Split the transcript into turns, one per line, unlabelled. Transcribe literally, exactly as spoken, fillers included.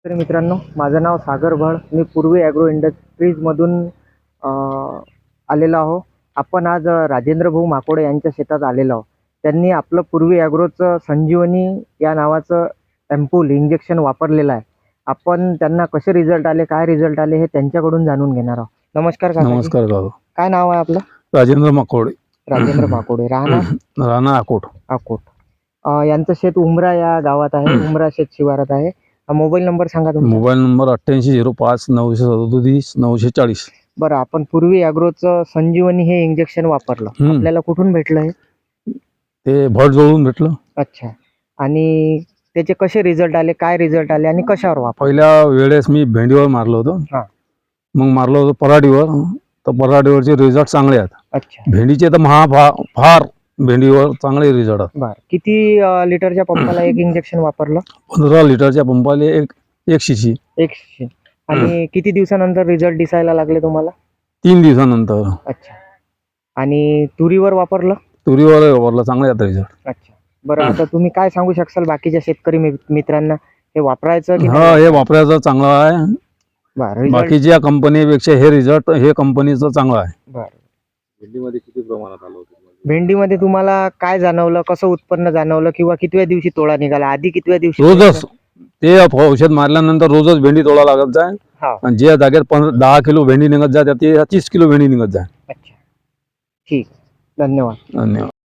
तर मित्रांनो, माझं नाव सागर भळ. मी पूर्वी ॲग्रो इंडस्ट्रीजमधून अ, आलेलो आहो. आपण आज अ, राजेंद्र भाऊ माकोडे यांच्या शेतात आलेलो आहोत. त्यांनी आपलं पूर्वी ॲग्रोचं संजीवनी या नावाचं एम्पूल इंजेक्शन वापरलेलं आहे. आपण त्यांना कसे रिझल्ट आले, काय रिझल्ट आले हे त्यांच्याकडून जाणून घेणार आहोत. नमस्कार काकाजी.
नमस्कार काका.
काय नाव आहे आपलं?
राजेंद्र माकोडे.
राजेंद्र माकोडे. राहणार
राणा अकोट.
अकोट. अ, यांचं शेत उमरा या गावात आहे. उमरा शेत शिवारात आहे. अ, मोबाईल नंबर सांगा तुमचा.
मोबाईल नंबर अठ्ठ्याऐंशी झिरो पाच नऊशे सदोतीस नऊशे चाळीस.
बरं, आपण पूर्वी ॲग्रोचं संजीवनी हे इंजेक्शन वापरलं.
हम्म.
आपल्याला कुठून भेटलं हे?
ते भट जवळून भेटलं.
अच्छा. आणि त्याचे कसे रिझल्ट आले, काय रिझल्ट आले आणि कशावर वापर?
पहिल्या वेळेस मी भेंडीवर मारलं होतं.
हा.
मग मारलं होतं पराठीवर. तर पराठीवरचे रिझल्ट चांगले आहेत.
अच्छा.
भेंडीचे तर महा फा- फार भेंडीवर चांगले रिझल्ट आहेत.
बरं, किती अ, लिटरच्या पंपाला एक इंजेक्शन वापरलं?
पंधरा लिटरच्या पंपाले एक एक शिशी.
एकशे. आणि किती दिवसानंतर रिझल्ट दिसायला लागले तुम्हाला?
तीन दिवसानंतर.
अच्छा. आणि तुरीवर वापरलं?
तुरीवर वापरलं, चांगले आहेत रिझल्ट.
अच्छा. बरं, आता तुम्ही काय सांगू शकाल बाकीच्या शेतकरी मि- मित्रांना हे वापरायचं की
हा,
नाही?
हे वापरायचं चांगलं आहे.
बरं, result-
बाकीच्या कंपनीपेक्षा हे रिझल्ट हे कंपनीचं चांगलं आहे.
बरं.
भेंडीमध्ये किती प्रमाणात आलं होतं?
भेंडीमध्ये तुम्हाला काय जाणवलं, कसं उत्पन्न जाणवलं किंवा कितव्या दिवशी तोडा निघाला, आधी कितव्या दिवशी?
रोजच ते औषध मारल्यानंतर रोजच भेंडी तोडा लागत जाय.
हा.
आणि ज्या जागेत पंधरा दहा किलो भेंडी निघत जाते ते तीस किलो भेंडी निघत जाय.
अच्छा. ठीक. धन्यवाद.
धन्यवाद.